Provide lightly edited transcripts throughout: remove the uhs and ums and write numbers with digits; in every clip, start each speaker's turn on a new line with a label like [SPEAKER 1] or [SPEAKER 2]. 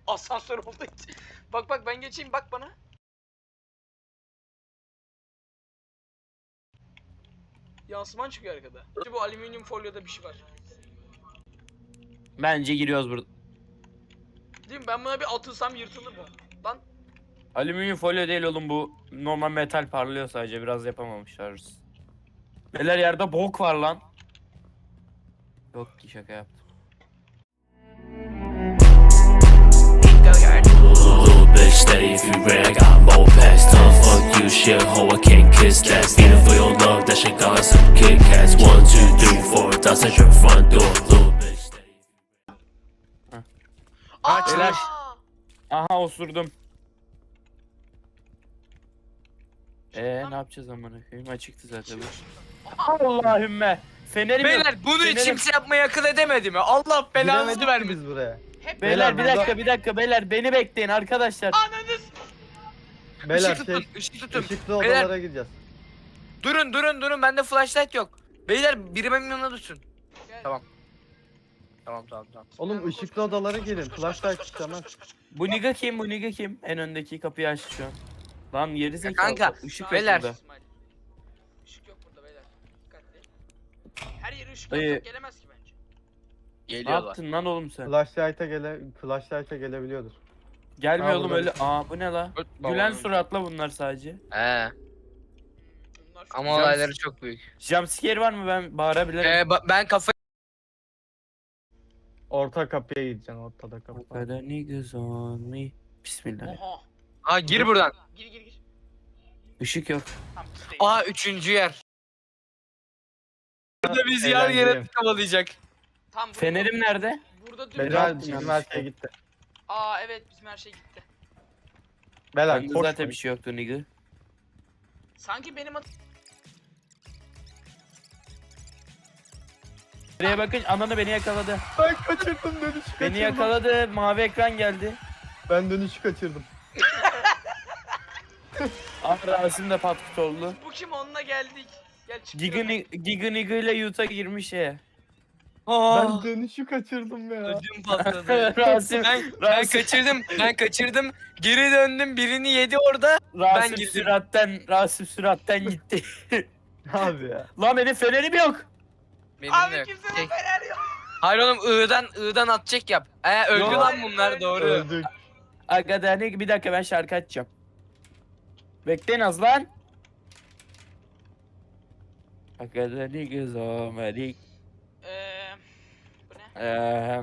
[SPEAKER 1] Asansör olduğu için. Bak bak ben geçeyim bak bana. Yansıman çıkıyor arkada. Bu alüminyum folyoda bir şey var.
[SPEAKER 2] Bence giriyoruz burada.
[SPEAKER 1] Değil mi? Ben buna bir atılsam yırtılır bu. Lan
[SPEAKER 2] Alüminyum folyo değil oğlum bu. Normal metal parlıyor sadece. Biraz yapamamışlar. Neler yerde bok var lan. Yok ki şaka yaptım.
[SPEAKER 3] Little bitch, steady if you rare, I got more past. Tough fuck you, shit, ho, I can't kiss that. Stealing for your love, that shit got some Kit Kats. 1, 2, 3, 4, that's at your front door. Little bitch, steady.
[SPEAKER 2] Beyler. Aha osurdum. Ne yapacağız amına koyayım? Açıktı zaten. Allahümme. Fenerim yok.
[SPEAKER 4] Beyler bunu
[SPEAKER 2] Fenerim-
[SPEAKER 4] kimse yapmayı akıl edemedi mi? Allah belanızı
[SPEAKER 5] Giremedik
[SPEAKER 4] vermesin.
[SPEAKER 5] biz buraya.
[SPEAKER 1] Hep
[SPEAKER 2] Beyler
[SPEAKER 5] Beyler,
[SPEAKER 2] bir dakika beyler beni bekleyin arkadaşlar.
[SPEAKER 1] Ananız.
[SPEAKER 5] Beyler
[SPEAKER 4] Işık tutun, ışık tutun.
[SPEAKER 5] ışıklı
[SPEAKER 4] Beyler-
[SPEAKER 5] odalara gideceğiz.
[SPEAKER 4] Durun bende flashlight yok. Beyler biri benim yanına tutsun.
[SPEAKER 1] Gel.
[SPEAKER 4] Tamam. Tamam.
[SPEAKER 5] Oğlum
[SPEAKER 1] Koş,
[SPEAKER 5] ışıklı
[SPEAKER 1] koş,
[SPEAKER 5] odalara
[SPEAKER 1] koş,
[SPEAKER 5] gelin.
[SPEAKER 1] koş, koş,
[SPEAKER 5] Flashlight
[SPEAKER 1] koş, koş,
[SPEAKER 5] istemez.
[SPEAKER 1] koş, koş, koş.
[SPEAKER 2] Bu niga kim? Bu niga kim? En öndeki kapıyı açtı şu an. Lan geri zekalı.
[SPEAKER 4] kanka,
[SPEAKER 2] Işık yok
[SPEAKER 4] beyler.
[SPEAKER 2] burada.
[SPEAKER 1] İsmail. Işık yok burada beyler. Dikkatli. Her yere ışık
[SPEAKER 2] Dayı.
[SPEAKER 1] yapsak gelemez ki bence.
[SPEAKER 2] Ne
[SPEAKER 4] Geliyorlar.
[SPEAKER 2] yaptın lan oğlum sen?
[SPEAKER 5] Flashlight'a gelebiliyordur.
[SPEAKER 2] Gelmiyor
[SPEAKER 5] Ha,
[SPEAKER 2] oğlum
[SPEAKER 5] burada.
[SPEAKER 2] öyle. Aa bu ne la? Gülen suratla bunlar sadece.
[SPEAKER 4] He.
[SPEAKER 1] Bunlar çok
[SPEAKER 4] Ama
[SPEAKER 2] Güzel.
[SPEAKER 4] olayları çok büyük.
[SPEAKER 2] Jumpscare var mı? Ben bağırabilirim.
[SPEAKER 4] Ben kafayı...
[SPEAKER 5] Orta kapıya gideceksin. Ortada kapı
[SPEAKER 2] O
[SPEAKER 5] var.
[SPEAKER 2] kadar niggas on me. Bismillah.
[SPEAKER 1] Oha.
[SPEAKER 4] Aa gir buradan.
[SPEAKER 1] Gir.
[SPEAKER 2] Işık yok.
[SPEAKER 1] Tamam biz değil.
[SPEAKER 4] Aa üçüncü yer. Burada bizi yer yere
[SPEAKER 5] Eğlenceli.
[SPEAKER 4] kovalayacak.
[SPEAKER 1] Tamam burada.
[SPEAKER 2] Fenerim nerede?
[SPEAKER 1] Burada dur.
[SPEAKER 5] Beyler
[SPEAKER 2] yaptın
[SPEAKER 5] bizim
[SPEAKER 2] yanlış
[SPEAKER 5] her
[SPEAKER 2] şey?
[SPEAKER 5] şey gitti.
[SPEAKER 1] Aa evet bizim her şey gitti.
[SPEAKER 5] Beyler
[SPEAKER 2] Bende
[SPEAKER 5] koşmayın.
[SPEAKER 2] zaten bir şey yoktu nigga.
[SPEAKER 1] Sanki benim
[SPEAKER 2] Buraya bakın ananı beni yakaladı.
[SPEAKER 5] Ben kaçırdım dönüşü kaçırdım.
[SPEAKER 2] Beni yakaladı. Mavi ekran geldi.
[SPEAKER 5] Ben dönüşü kaçırdım.
[SPEAKER 2] Ama Rasim de patkut oldu.
[SPEAKER 1] bu kim onunla geldik. Gel çık.
[SPEAKER 2] Giga nigga ile Yuta girmiş ya.
[SPEAKER 4] Aa,
[SPEAKER 5] Ben dönüşü kaçırdım ya.
[SPEAKER 4] ödüm patladı.
[SPEAKER 2] Rasim,
[SPEAKER 4] Ben kaçırdım. Geri döndüm. Birini yedi orada.
[SPEAKER 2] Rasim
[SPEAKER 4] girdim.
[SPEAKER 2] Rasim süratten gitti.
[SPEAKER 5] Abi ya.
[SPEAKER 2] Lan benim fenerim yok.
[SPEAKER 4] Benim de
[SPEAKER 1] Abi
[SPEAKER 4] yok.
[SPEAKER 1] kimsenin
[SPEAKER 4] Şey-
[SPEAKER 1] fener yok.
[SPEAKER 4] Hayır oğlum I'dan atacak yap. Öldü
[SPEAKER 2] Yok.
[SPEAKER 4] lan bunlar doğru.
[SPEAKER 5] Öldük.
[SPEAKER 2] Aga bir dakika ben şarkı açacağım. Bekleyin az lan. Aga niggas on me.
[SPEAKER 1] Bu ne?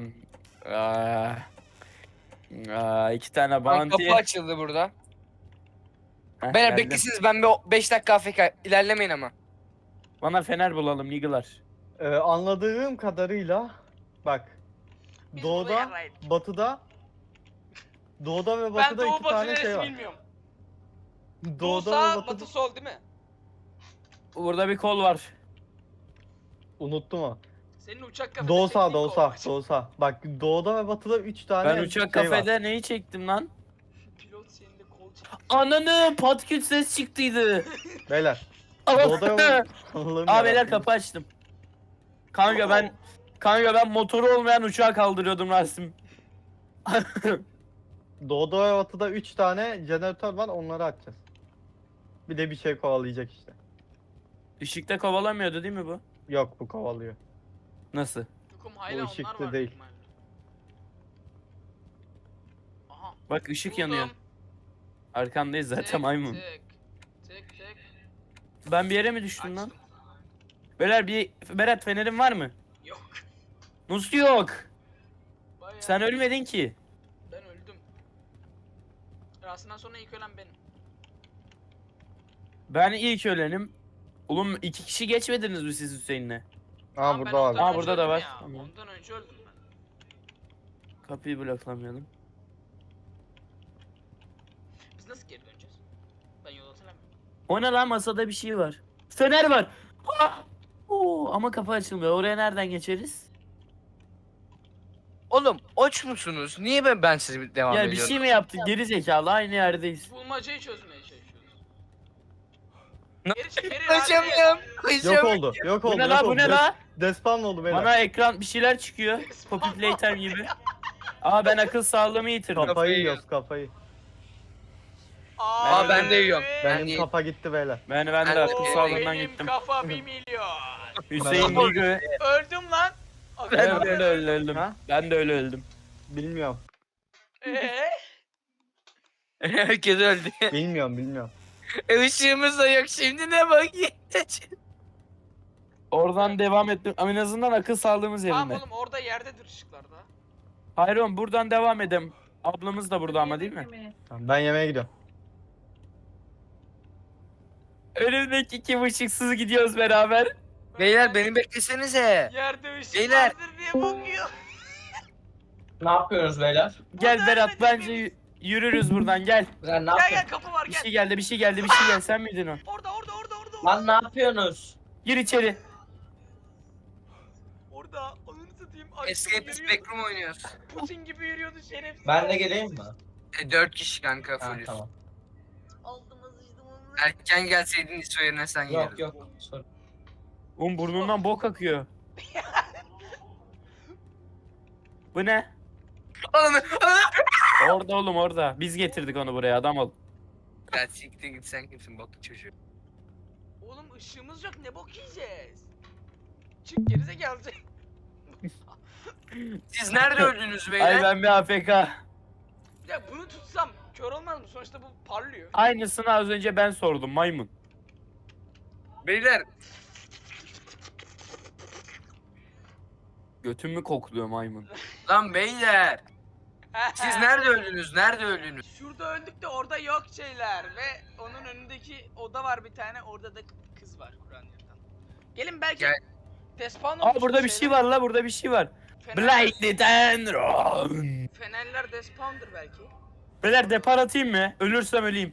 [SPEAKER 2] İki tane
[SPEAKER 4] Lan
[SPEAKER 2] bounty.
[SPEAKER 4] kapı açıldı burada.
[SPEAKER 2] Heh,
[SPEAKER 4] Beyler
[SPEAKER 2] geldim.
[SPEAKER 4] beklesiniz ben bir 5 dakika AFK ilerlemeyin ama.
[SPEAKER 2] Bana fener bulalım niggalar.
[SPEAKER 5] Anladığım kadarıyla bak.
[SPEAKER 1] Biz burada
[SPEAKER 5] Doğuda,
[SPEAKER 1] yarraydık.
[SPEAKER 5] Doğuda ve
[SPEAKER 1] Ben
[SPEAKER 5] batıda
[SPEAKER 1] doğu
[SPEAKER 5] iki
[SPEAKER 1] batı
[SPEAKER 5] tane
[SPEAKER 1] neresi
[SPEAKER 5] şey var.
[SPEAKER 1] bilmiyorum. Doğu
[SPEAKER 5] Doğuda
[SPEAKER 1] sağ,
[SPEAKER 5] ve batıda
[SPEAKER 1] batı sol değil mi?
[SPEAKER 2] Burada bir kol var.
[SPEAKER 5] unuttum o.
[SPEAKER 1] Senin uçak kafede
[SPEAKER 5] Doğu sağ,
[SPEAKER 1] çektiğin
[SPEAKER 5] doğu
[SPEAKER 1] kol
[SPEAKER 5] sağ,
[SPEAKER 1] var.
[SPEAKER 5] doğu sağ. Bak doğuda ve batıda 3 tane
[SPEAKER 2] Ben uçak
[SPEAKER 5] şey var.
[SPEAKER 2] kafede neyi çektim lan?
[SPEAKER 1] Pilot senin de kol çek.
[SPEAKER 2] Ananı patküt ses çıktıydı.
[SPEAKER 5] Beyler. Doğuda ve Allah'ım
[SPEAKER 2] Aa beyler
[SPEAKER 5] yarabbim.
[SPEAKER 2] kapı açtım. Kanka ben motoru olmayan uçağı kaldırıyordum Rasim.
[SPEAKER 5] Doğuda ve batıda 3 tane jeneratör var, onları açacağız. Bir de bir şey kovalayacak işte.
[SPEAKER 2] Işıkta kovalamıyordu değil mi bu?
[SPEAKER 5] Yok, bu kovalıyor.
[SPEAKER 2] Nasıl?
[SPEAKER 1] Tukum hala onlar
[SPEAKER 5] ışıklı
[SPEAKER 1] var.
[SPEAKER 5] değil.
[SPEAKER 1] büyük ihtimalle. Aha.
[SPEAKER 2] Bak ışık yanıyor.
[SPEAKER 1] buldum.
[SPEAKER 2] Arkandayız zaten
[SPEAKER 1] Tık,
[SPEAKER 2] maymun.
[SPEAKER 1] Tık.
[SPEAKER 2] Ben bir yere mi düştüm lan?
[SPEAKER 1] Açtım.
[SPEAKER 2] Beyler Berat fenerin var mı?
[SPEAKER 1] Yok.
[SPEAKER 2] Nasıl yok?
[SPEAKER 1] Bayağı.
[SPEAKER 2] Sen ölmedin ki.
[SPEAKER 1] Ben öldüm. Rasim'den sonra ilk ölen benim.
[SPEAKER 2] Ben ilk ölenim. Oğlum 2 kişi geçmediniz mi siz Hüseyin'le?
[SPEAKER 5] Aa
[SPEAKER 1] Tamam,
[SPEAKER 5] burada
[SPEAKER 1] ben
[SPEAKER 5] var.
[SPEAKER 1] ondan
[SPEAKER 2] Aa,
[SPEAKER 1] önce
[SPEAKER 2] burada da
[SPEAKER 1] öldüm
[SPEAKER 2] var.
[SPEAKER 1] ya.
[SPEAKER 2] Tamam.
[SPEAKER 1] Ondan önce öldüm ben.
[SPEAKER 2] Kapıyı bloklamayalım.
[SPEAKER 1] Biz nasıl geri döneceğiz? Ben yol hatırlamıyorum.
[SPEAKER 2] O ne lan masada bir şey var. Fener var. Ah! Oo, ama kapı açılmıyor. Oraya nereden geçeriz?
[SPEAKER 4] Oğlum aç musunuz? Niye ben sizi devam
[SPEAKER 2] Ya bir
[SPEAKER 4] ediyorum?
[SPEAKER 2] şey mi yaptık? Geri zekalı aynı yerdeyiz.
[SPEAKER 1] Bulmacayı çözmeye çalışıyoruz.
[SPEAKER 4] Ne-
[SPEAKER 1] Geri çık geri
[SPEAKER 4] Kaçamıyorum.
[SPEAKER 5] Yok
[SPEAKER 4] Kaçamıyorum.
[SPEAKER 5] oldu, yok oldu.
[SPEAKER 2] Bu ne
[SPEAKER 5] yok
[SPEAKER 2] la bu
[SPEAKER 5] oldu.
[SPEAKER 2] ne la?
[SPEAKER 5] Despawn oldu beyler.
[SPEAKER 2] Bana ekran bir şeyler çıkıyor. Poppy Playtime gibi. Aa ben akıl sağlığımı yitirdim.
[SPEAKER 5] Kafayı yiyoruz kafayı.
[SPEAKER 4] Aa, ben de yiyorum. Ben
[SPEAKER 5] Benim
[SPEAKER 4] de-
[SPEAKER 5] kafa gitti beyler.
[SPEAKER 2] Ben de
[SPEAKER 4] Ben
[SPEAKER 2] akıl
[SPEAKER 4] de-
[SPEAKER 2] sağlığından
[SPEAKER 1] Benim
[SPEAKER 2] gittim.
[SPEAKER 1] kafa 1 milyon.
[SPEAKER 2] Hüseyin Bilgö.
[SPEAKER 1] Öldüm lan.
[SPEAKER 2] Ben de öyle öldüm.
[SPEAKER 5] Ha?
[SPEAKER 2] Ben de öyle öldüm.
[SPEAKER 5] Bilmiyorum.
[SPEAKER 4] Herkes öldü.
[SPEAKER 5] Bilmiyorum.
[SPEAKER 4] Işığımız da yok şimdi ne bakayım.
[SPEAKER 2] Oradan devam ettim. Ama en azından akıl sağlığımız
[SPEAKER 1] Tamam
[SPEAKER 2] yerinde.
[SPEAKER 1] oğlum orada yerdedir ışıklarda.
[SPEAKER 2] Hayır oğlum buradan devam edelim. Ablamız da burada ama değil mi?
[SPEAKER 5] Tamam, ben yemeğe gidiyorum.
[SPEAKER 2] Önümdeki iki ışıksız gidiyoruz beraber.
[SPEAKER 4] Beyler beni beklesenize.
[SPEAKER 1] Yerde ışık
[SPEAKER 4] Beyler.
[SPEAKER 1] vardır diye bakıyor.
[SPEAKER 6] Ne yapıyoruz beyler?
[SPEAKER 2] Gel
[SPEAKER 1] Burada
[SPEAKER 2] Berat
[SPEAKER 1] ölmedik
[SPEAKER 2] bence
[SPEAKER 1] biz.
[SPEAKER 2] yürürüz buradan gel.
[SPEAKER 6] Güzel ne
[SPEAKER 1] Gel
[SPEAKER 6] yapıyorsunuz?
[SPEAKER 1] gel kapı var
[SPEAKER 2] Bir
[SPEAKER 1] gel.
[SPEAKER 2] şey geldi bir şey geldi bir şey geldi sen miydin o?
[SPEAKER 1] Orada.
[SPEAKER 6] Lan ne yapıyorsunuz?
[SPEAKER 2] Gir içeri.
[SPEAKER 1] Orada ananı satayım. Açtım,
[SPEAKER 4] Escape
[SPEAKER 1] yürüyordu.
[SPEAKER 4] Spectrum oynuyoruz.
[SPEAKER 1] Putin gibi yürüyordu şerefsiz.
[SPEAKER 6] Ben de geleyim mi?
[SPEAKER 4] 4 kişi kanka
[SPEAKER 6] Ha,
[SPEAKER 4] fullüz.
[SPEAKER 6] tamam.
[SPEAKER 1] Altıma sıçtım onu.
[SPEAKER 4] Erken gelseydin İso yerine sen
[SPEAKER 6] Yok
[SPEAKER 4] yerdin.
[SPEAKER 6] yok. Sorun.
[SPEAKER 2] Oğlum burnundan bok akıyor. Bu ne?
[SPEAKER 4] Oğlum
[SPEAKER 2] Orada oğlum orada. Biz getirdik onu buraya adam ol.
[SPEAKER 4] Ya siktir git sen kimsin boklu çocuğu.
[SPEAKER 1] Oğlum ışığımız yok ne bok yiyeceğiz? Çık gerizekalı.
[SPEAKER 4] Siz nerede öldünüz
[SPEAKER 2] Ay
[SPEAKER 4] beyler?
[SPEAKER 2] ben bir AFK.
[SPEAKER 1] Ya bunu tutsam kör olmaz mı? Sonuçta bu parlıyor.
[SPEAKER 2] Aynısını az önce ben sordum maymun.
[SPEAKER 4] Beyler
[SPEAKER 2] Götümü kokluyor maymun.
[SPEAKER 4] lan beyler. Siz nerede öldünüz? Nerede öldünüz?
[SPEAKER 1] Şurada öldük de orada yok şeyler ve onun önündeki oda var bir tane orada da kız var Kur'an yurttan. Gelin belki
[SPEAKER 4] Gel.
[SPEAKER 1] despawn
[SPEAKER 2] Aa
[SPEAKER 1] olmuş
[SPEAKER 2] burada bir şey var la burada bir şey var. Blinded and run.
[SPEAKER 1] Fenerler despawn'dır belki.
[SPEAKER 2] Beyler depar atayım mı? Ölürsem öleyim.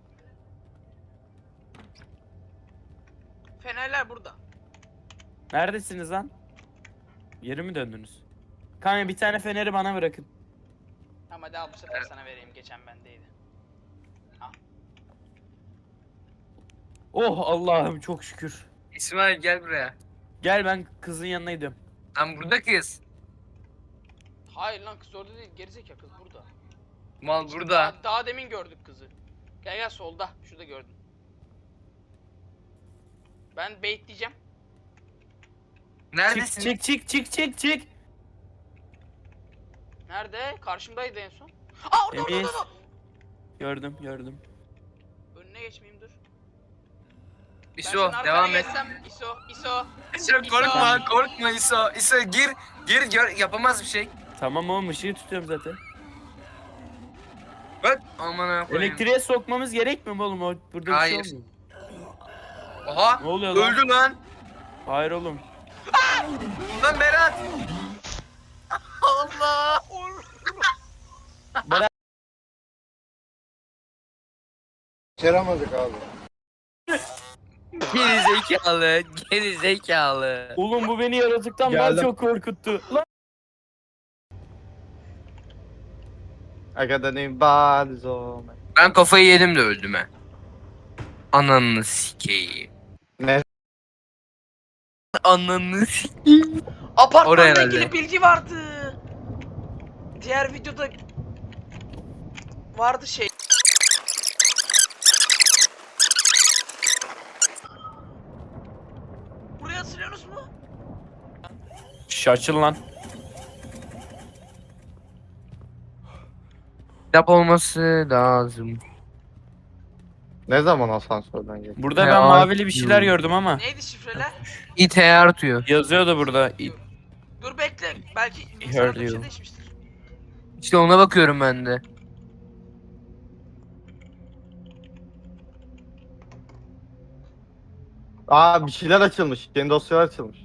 [SPEAKER 1] Fenerler burada.
[SPEAKER 2] Neredesiniz lan? Yeri mi döndünüz? Kanka bir tane feneri bana bırakın.
[SPEAKER 1] Ama daha bu sefer sana vereyim geçen bendeydi.
[SPEAKER 2] Oh Allah'ım çok şükür.
[SPEAKER 4] İsmail gel buraya.
[SPEAKER 2] Gel ben kızın yanına gidiyorum.
[SPEAKER 4] Lan burada kız.
[SPEAKER 1] Hayır lan kız orada değil gerizekalı kız burada.
[SPEAKER 4] Mal burada.
[SPEAKER 1] Daha demin gördük kızı. Gel solda şurada gördüm. Ben bait diyeceğim.
[SPEAKER 4] Neredesin?
[SPEAKER 2] Çık.
[SPEAKER 1] Nerede? Karşımdaydı en son. Aa orada.
[SPEAKER 2] Temiz. Gördüm.
[SPEAKER 1] Önüne geçmeyeyim dur. Ben
[SPEAKER 4] İso
[SPEAKER 1] senin arkana
[SPEAKER 4] devam et.
[SPEAKER 1] geçsem, İso.
[SPEAKER 4] İso korkma İso. İso gir gör yapamaz bir şey.
[SPEAKER 2] Tamam oğlum ışığı tutuyorum zaten.
[SPEAKER 4] Bak aman ha koyayım.
[SPEAKER 2] Elektriğe sokmamız gerekmiyor mu oğlum? O burada bir
[SPEAKER 4] Hayır.
[SPEAKER 2] şey olmuyor.
[SPEAKER 4] Oha
[SPEAKER 2] Ne oluyor lan?
[SPEAKER 4] öldü lan.
[SPEAKER 2] Hayır oğlum.
[SPEAKER 4] Lan Berat. Allah. Geri zekalı.
[SPEAKER 2] Oğlum bu beni yaratıktan daha
[SPEAKER 5] Geldim.
[SPEAKER 2] çok korkuttu. Lan.
[SPEAKER 5] I got the name bad zone.
[SPEAKER 4] Ben kafayı yedim de öldüm he. Ananı sikeyim.
[SPEAKER 5] Ne?
[SPEAKER 4] Ananı sikeyim. Oraya
[SPEAKER 1] Apartmanla
[SPEAKER 4] herhalde.
[SPEAKER 1] ilgili bilgi vardı. Diğer videoda vardı şey. Buraya asılıyorsunuz mu?
[SPEAKER 2] Şş açıl lan.
[SPEAKER 4] Kitap olması lazım.
[SPEAKER 5] Ne zaman asansörden geldi?
[SPEAKER 2] Burada
[SPEAKER 4] Ya,
[SPEAKER 2] ben mavili bir
[SPEAKER 4] abi.
[SPEAKER 2] şeyler gördüm ama.
[SPEAKER 1] Neydi şifreler?
[SPEAKER 4] İT artıyor.
[SPEAKER 2] Yazıyordu burada.
[SPEAKER 1] Dur bekle. Belki
[SPEAKER 2] heard
[SPEAKER 1] bilgisayarda bir şey
[SPEAKER 2] you.
[SPEAKER 1] değişmiştir.
[SPEAKER 4] İşte ona bakıyorum ben de.
[SPEAKER 5] Aa bir şeyler açılmış. Yeni dosyalar açılmış.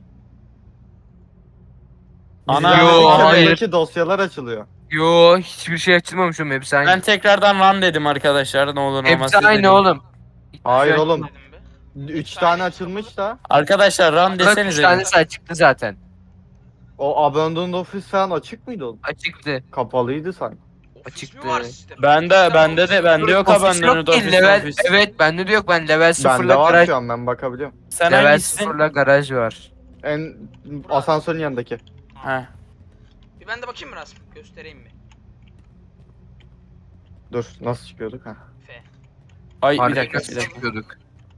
[SPEAKER 2] Ana.
[SPEAKER 4] Yo, hayır.
[SPEAKER 5] Buradaki dosyalar açılıyor.
[SPEAKER 4] Yo hiçbir şey açılmamış oğlum hepsi aynı.
[SPEAKER 2] Ben tekrardan run dedim arkadaşlar. Ne olur ne olmaz.
[SPEAKER 4] Hepsi
[SPEAKER 2] siz de
[SPEAKER 4] aynı
[SPEAKER 2] deyin.
[SPEAKER 4] oğlum.
[SPEAKER 5] Hayır
[SPEAKER 4] Şey
[SPEAKER 5] oğlum.
[SPEAKER 1] Dedim be.
[SPEAKER 5] 3 tane açılmış da.
[SPEAKER 2] Arkadaşlar run
[SPEAKER 4] Bak 3
[SPEAKER 2] desenize.
[SPEAKER 4] tanesi açıktı zaten.
[SPEAKER 5] O Abandoned Office falan açık mıydı oğlum?
[SPEAKER 4] Açıktı.
[SPEAKER 5] Kapalıydı sanki.
[SPEAKER 1] Ofis
[SPEAKER 4] Açıktı.
[SPEAKER 1] mi var sistemde?
[SPEAKER 2] Bende yok
[SPEAKER 4] Ofis
[SPEAKER 2] abandoned
[SPEAKER 4] yok ki,
[SPEAKER 2] office.
[SPEAKER 4] level,
[SPEAKER 2] office.
[SPEAKER 4] evet bende de yok ben level 0'la
[SPEAKER 5] Bende var
[SPEAKER 4] garaj.
[SPEAKER 5] şu an ben bakabiliyorum.
[SPEAKER 2] Sen
[SPEAKER 4] Level
[SPEAKER 2] hangisisin?
[SPEAKER 4] 0'la garaj var.
[SPEAKER 5] En asansörün yanındaki.
[SPEAKER 2] Ha.
[SPEAKER 1] Ben de bakayım mı Rasim? Göstereyim mi?
[SPEAKER 5] Dur nasıl çıkıyorduk ha?
[SPEAKER 1] F.
[SPEAKER 2] Ay bir
[SPEAKER 4] Harbi
[SPEAKER 2] dakika
[SPEAKER 4] nasıl
[SPEAKER 2] bir dakika.
[SPEAKER 4] çıkıyorduk?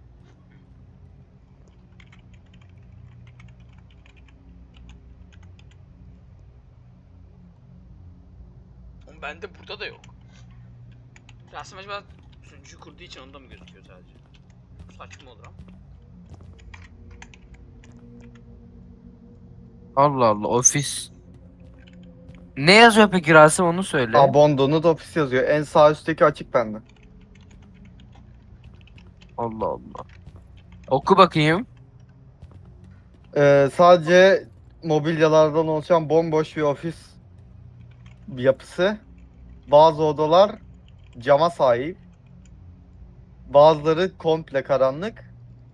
[SPEAKER 1] Oğlum bende burada da yok. Rasim acaba sunucuyu kurduğu için onda mı gözüküyor sadece? Saçma olur ama.
[SPEAKER 4] Allah Allah ofis. Ne yazıyor peki Rasim onu söyle.
[SPEAKER 5] Abandoned ofis yazıyor. En sağ üstteki açık bende.
[SPEAKER 4] Allah Allah. Oku bakayım.
[SPEAKER 5] Sadece mobilyalardan oluşan bomboş bir ofis yapısı. Bazı odalar cama sahip. Bazıları komple karanlık.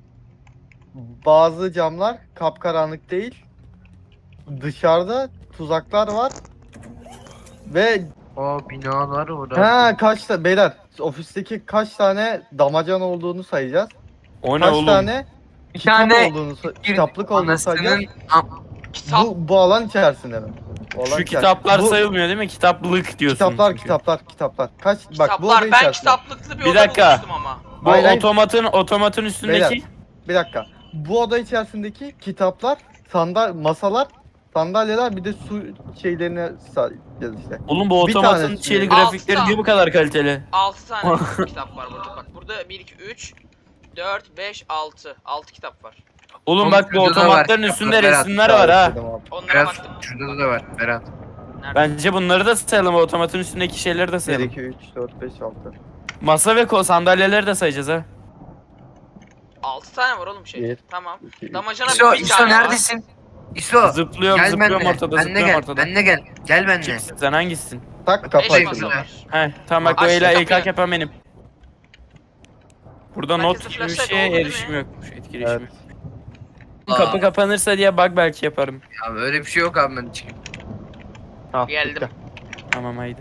[SPEAKER 5] Bazı camlar kapkaranlık değil. Dışarıda tuzaklar var. Ve
[SPEAKER 4] Aa binalar orada.
[SPEAKER 5] beyler ofisteki kaç tane damacan olduğunu sayacağız.
[SPEAKER 2] O ne
[SPEAKER 5] Kaç
[SPEAKER 2] oğlum?
[SPEAKER 5] tane
[SPEAKER 4] Bir
[SPEAKER 5] kitap
[SPEAKER 4] tane
[SPEAKER 5] olduğunu, kitaplık olduğunu sayacağız.
[SPEAKER 4] anasının
[SPEAKER 1] Kitap.
[SPEAKER 5] Bu alan içerisinde mi? Bu alan
[SPEAKER 2] Şu
[SPEAKER 5] içerisinde.
[SPEAKER 2] kitaplar
[SPEAKER 5] Bu
[SPEAKER 2] sayılmıyor değil mi? Kitaplık diyorsun.
[SPEAKER 5] kitaplar,
[SPEAKER 2] çünkü.
[SPEAKER 5] kitaplar. Kaç bak bu oda
[SPEAKER 1] Kitaplar. Ben
[SPEAKER 5] içerisinde.
[SPEAKER 1] kitaplıklı bir
[SPEAKER 2] Bir
[SPEAKER 1] oda
[SPEAKER 2] dakika.
[SPEAKER 1] bulmuştum ama.
[SPEAKER 2] Bu
[SPEAKER 5] Hayır, hayır.
[SPEAKER 2] otomatın üstündeki.
[SPEAKER 5] Beyler. Bir dakika. Bu oda içerisindeki kitaplar, masalar, sandalyeler bir de su şeylerine sayacağız işte.
[SPEAKER 2] Oğlum bu
[SPEAKER 5] Bir
[SPEAKER 2] otomatın
[SPEAKER 5] tanesi.
[SPEAKER 2] şeyli
[SPEAKER 1] Altı
[SPEAKER 2] grafikleri
[SPEAKER 1] tane.
[SPEAKER 2] niye bu kadar kaliteli?
[SPEAKER 1] 6 tane kitap var burada. Bak burada 1, 2, 3, 4, 5, 6. 6 kitap var.
[SPEAKER 2] Oğlum
[SPEAKER 4] Oğlum
[SPEAKER 2] bak bu
[SPEAKER 4] şurada da
[SPEAKER 2] otomatların
[SPEAKER 4] var.
[SPEAKER 2] üstünde
[SPEAKER 4] Berat,
[SPEAKER 2] resimler var ha.
[SPEAKER 5] Dedim abi.
[SPEAKER 1] Onlara
[SPEAKER 4] Berat
[SPEAKER 1] baktım.
[SPEAKER 4] şurada da var Berat.
[SPEAKER 1] Nerede?
[SPEAKER 2] Bence bunları da sayalım. Otomatın üstündeki şeyleri de
[SPEAKER 5] 1,
[SPEAKER 2] sayalım.
[SPEAKER 5] 2, 3, 4, 5, 6.
[SPEAKER 2] Masa ve sandalyeleri de sayacağız ha.
[SPEAKER 1] 6 tane var oğlum şey.
[SPEAKER 5] Bir.
[SPEAKER 1] Tamam.
[SPEAKER 5] 2, 3.
[SPEAKER 1] Damacana
[SPEAKER 4] İso,
[SPEAKER 1] bir
[SPEAKER 4] İso
[SPEAKER 1] tane var.
[SPEAKER 4] neredesin? İso.
[SPEAKER 2] Zıplıyorum
[SPEAKER 4] Gel
[SPEAKER 2] zıplıyorum
[SPEAKER 4] benimle.
[SPEAKER 2] ortada
[SPEAKER 4] Benle
[SPEAKER 2] zıplıyorum
[SPEAKER 4] gel.
[SPEAKER 2] ortada.
[SPEAKER 4] Benle gel. Gel benimle.
[SPEAKER 2] Kimsin sen hangisisin?
[SPEAKER 5] Tak
[SPEAKER 1] Eş
[SPEAKER 5] kapı
[SPEAKER 1] masa
[SPEAKER 5] açıldı.
[SPEAKER 1] var.
[SPEAKER 2] He tamam bak
[SPEAKER 1] Açtı
[SPEAKER 2] öyle ilk
[SPEAKER 1] kapıyı.
[SPEAKER 2] yapan benim. Burada
[SPEAKER 1] Herkese
[SPEAKER 2] not gibi bir
[SPEAKER 1] flashlight
[SPEAKER 2] şeye
[SPEAKER 1] oldu değil
[SPEAKER 2] erişim
[SPEAKER 1] mi?
[SPEAKER 2] yokmuş, etkileşim
[SPEAKER 5] Evet.
[SPEAKER 2] yok. Kapı kapanırsa diye bug belki yaparım.
[SPEAKER 4] Ya öyle bir şey yok abi ben çıkayım.
[SPEAKER 5] Ha,
[SPEAKER 1] Geldim.
[SPEAKER 5] bitti.
[SPEAKER 2] Tamam haydi.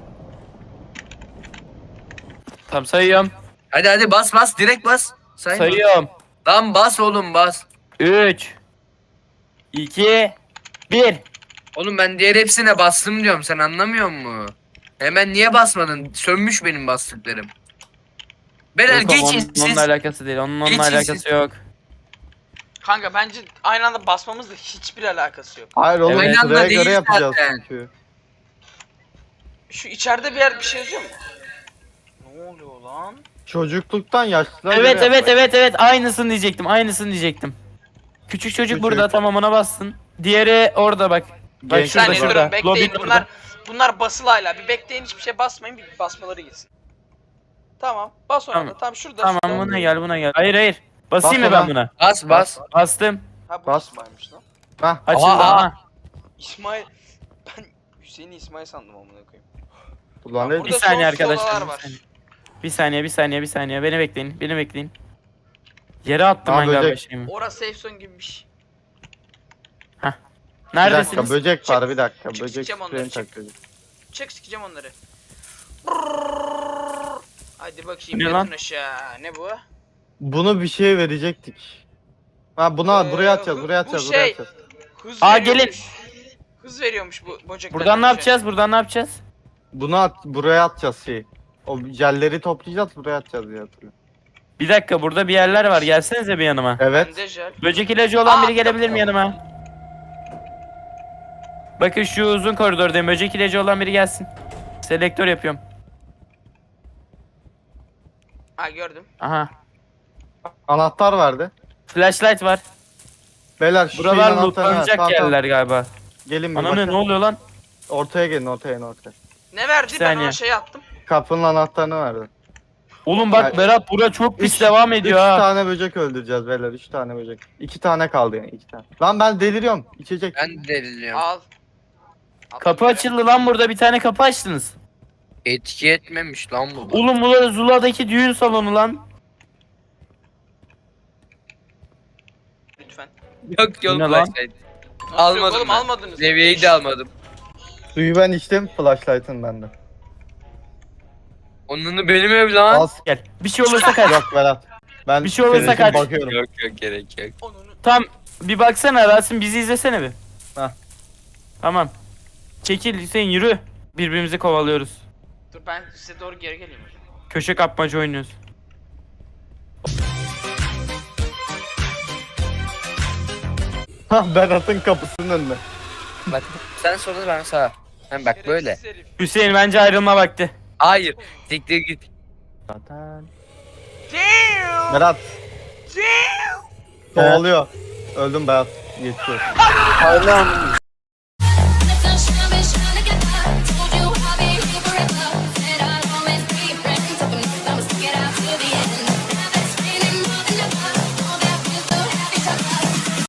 [SPEAKER 2] Tamam sayıyorum.
[SPEAKER 4] Hadi bas direkt bas. Sayma.
[SPEAKER 2] Sayıyorum.
[SPEAKER 4] Lan bas oğlum bas.
[SPEAKER 2] 3 2 1
[SPEAKER 4] Oğlum ben diğer hepsine bastım diyorum sen anlamıyor musun? Hemen niye basmadın? Sönmüş benim bastıklarım. Beyler
[SPEAKER 2] Yok,
[SPEAKER 4] geçin
[SPEAKER 2] onun,
[SPEAKER 4] siz.
[SPEAKER 2] onunla alakası değil. Onunla
[SPEAKER 4] Geçin
[SPEAKER 2] alakası
[SPEAKER 4] siz.
[SPEAKER 2] yok.
[SPEAKER 1] Kanka bence aynı anda basmamızla hiçbir alakası yok.
[SPEAKER 5] Hayır oğlum
[SPEAKER 2] Evet.
[SPEAKER 5] sıraya
[SPEAKER 4] Aynı
[SPEAKER 5] göre
[SPEAKER 4] anda
[SPEAKER 5] yapacağız
[SPEAKER 4] değil zaten.
[SPEAKER 5] çünkü.
[SPEAKER 1] Şu içeride bir yer bir şey yazıyor mu? Ne oluyor lan?
[SPEAKER 5] Çocukluktan yaşlılara
[SPEAKER 2] Evet
[SPEAKER 5] göre
[SPEAKER 2] evet
[SPEAKER 5] yapmak.
[SPEAKER 2] evet aynısını diyecektim. Aynısını diyecektim. Küçük çocuk
[SPEAKER 5] Küçük.
[SPEAKER 2] burada tamam ona bastın. Diğeri orada bak. Bak
[SPEAKER 5] Genç
[SPEAKER 1] Bir
[SPEAKER 2] şurada
[SPEAKER 1] saniye
[SPEAKER 5] çocuk.
[SPEAKER 2] şurada.
[SPEAKER 1] durun bekleyin.
[SPEAKER 2] Lobby
[SPEAKER 1] Bunlar basılı hala. Bir bekleyin hiçbir şey basmayın. Bir basmaları gitsin. Tamam. Bas ona
[SPEAKER 2] Tamam.
[SPEAKER 1] da. Tamam şurada.
[SPEAKER 2] Tamam
[SPEAKER 1] şurada.
[SPEAKER 2] buna gel buna gel. Hayır. Basayım
[SPEAKER 5] Bas
[SPEAKER 2] mı ben
[SPEAKER 5] ona.
[SPEAKER 2] buna?
[SPEAKER 4] Bas.
[SPEAKER 2] Bastım.
[SPEAKER 1] Ha bu
[SPEAKER 5] Bas.
[SPEAKER 1] İsmail'miş lan.
[SPEAKER 5] Hah.
[SPEAKER 2] Açıldı
[SPEAKER 4] Aa,
[SPEAKER 2] ama.
[SPEAKER 1] İsmail. Ben Hüseyin'i İsmail sandım amına koyayım.
[SPEAKER 5] Ulan
[SPEAKER 1] Bak
[SPEAKER 5] ne
[SPEAKER 1] burada
[SPEAKER 2] Bir saniye
[SPEAKER 1] sonsuz odalar
[SPEAKER 2] arkadaşlar.
[SPEAKER 1] var.
[SPEAKER 2] Bir saniye. Beni bekleyin. Yere attım
[SPEAKER 5] Aa,
[SPEAKER 2] ben galiba
[SPEAKER 5] böcek.
[SPEAKER 2] şeyimi.
[SPEAKER 1] Orası safe zone gibi bir şey.
[SPEAKER 5] Bir dakika
[SPEAKER 2] Neredesiniz?
[SPEAKER 5] böcek var bir dakika.
[SPEAKER 1] Çık,
[SPEAKER 5] Böcek
[SPEAKER 1] sikeceğim onları,
[SPEAKER 5] spreyini
[SPEAKER 1] çık.
[SPEAKER 5] takacağız.
[SPEAKER 1] Çek sikeceğim onları. Hadi bakayım
[SPEAKER 2] Ne
[SPEAKER 1] yatın
[SPEAKER 2] lan?
[SPEAKER 1] aşağı. Ne bu?
[SPEAKER 5] Bunu bir şeye verecektik. Ha buraya atacağız,
[SPEAKER 1] bu
[SPEAKER 5] buraya atacağız,
[SPEAKER 1] şey-
[SPEAKER 5] buraya atacağız.
[SPEAKER 1] Hız
[SPEAKER 2] Aa,
[SPEAKER 1] veriyormuş. Hız veriyormuş bu böcekler.
[SPEAKER 2] Buradan ne yapacağız?
[SPEAKER 5] Buraya atacağız şeyi. O jelleri toplayacağız, buraya atacağız diye hatırlıyorum.
[SPEAKER 2] Bir dakika burada bir yerler var. Gelsenize bir yanıma.
[SPEAKER 5] Evet.
[SPEAKER 1] Bende jel.
[SPEAKER 2] Böcek ilacı olan
[SPEAKER 1] Aa,
[SPEAKER 2] biri gelebilir mi yanıma? Bakın şu uzun koridordayım. Böcek ilacı olan biri gelsin. Selektör yapıyorum.
[SPEAKER 1] Ha gördüm.
[SPEAKER 2] Aha.
[SPEAKER 5] Anahtar verdi.
[SPEAKER 2] Flashlight var.
[SPEAKER 5] Beyler şu
[SPEAKER 2] Buralar
[SPEAKER 5] şeyin anahtarını ver.
[SPEAKER 2] lootlanacak
[SPEAKER 5] Tamam, tamam.
[SPEAKER 2] yerler galiba.
[SPEAKER 5] Gelin bir
[SPEAKER 2] Ananı
[SPEAKER 5] bakın.
[SPEAKER 2] ne oluyor lan?
[SPEAKER 5] Ortaya gelin, ortaya.
[SPEAKER 1] Ne verdi?
[SPEAKER 2] Bir
[SPEAKER 1] Ben
[SPEAKER 2] saniye.
[SPEAKER 1] ona şey attım.
[SPEAKER 5] Kapının anahtarını verdi.
[SPEAKER 2] Oğlum bak
[SPEAKER 5] Yani-
[SPEAKER 2] Berat bura çok pis
[SPEAKER 5] Üç-
[SPEAKER 2] devam
[SPEAKER 5] 3
[SPEAKER 2] ediyor ha.
[SPEAKER 5] tane böcek öldüreceğiz beyler, 3 tane böcek. 2 tane kaldı yani, 2 tane. Lan ben deliriyorum, içecek.
[SPEAKER 4] Ben de deliriyorum.
[SPEAKER 1] Al. Attım
[SPEAKER 2] Kapı
[SPEAKER 1] yere.
[SPEAKER 2] açıldı lan burada bir tane kapı açtınız.
[SPEAKER 4] Etki etmemiş lan bu.
[SPEAKER 2] Oğlum bu Zula'daki düğün salonu lan.
[SPEAKER 1] Lütfen.
[SPEAKER 4] Yok
[SPEAKER 2] Bu ne lan?
[SPEAKER 4] flashlight.
[SPEAKER 1] Nasıl yok
[SPEAKER 4] Almadım
[SPEAKER 1] oğlum
[SPEAKER 4] ben.
[SPEAKER 1] almadınız.
[SPEAKER 4] Levyeyi de almadım.
[SPEAKER 5] Suyu ben içtim, flashlight'ın bende.
[SPEAKER 4] Onunu benim ev lan.
[SPEAKER 5] Az
[SPEAKER 2] Gel. Bir şey olursa kaç.
[SPEAKER 5] yok Berat. Ben
[SPEAKER 2] Bir şey olursa
[SPEAKER 5] senin için
[SPEAKER 2] kaç.
[SPEAKER 5] bakıyorum.
[SPEAKER 4] Yok gerek yok.
[SPEAKER 1] Onunu.
[SPEAKER 2] Tam bir baksana Rasim bizi izlesene bir.
[SPEAKER 5] Hah.
[SPEAKER 2] Tamam. Çekil Hüseyin yürü. Birbirimizi kovalıyoruz.
[SPEAKER 1] Dur ben size doğru geri geleyim o zaman.
[SPEAKER 2] Köşe kapmaca oynuyoruz.
[SPEAKER 5] Hah Berat'ın kapısının önünde.
[SPEAKER 4] Bak sen solda ben sağa. Hem bak böyle.
[SPEAKER 1] Şerefsiz herif.
[SPEAKER 2] Hüseyin bence ayrılma vakti.
[SPEAKER 4] Hayır. Siktir git.
[SPEAKER 2] Zaten.
[SPEAKER 1] Damn!
[SPEAKER 5] Berat
[SPEAKER 1] Damn!
[SPEAKER 5] kovalıyor. Öldüm Berat. Geçiyor.
[SPEAKER 4] Allah'ım.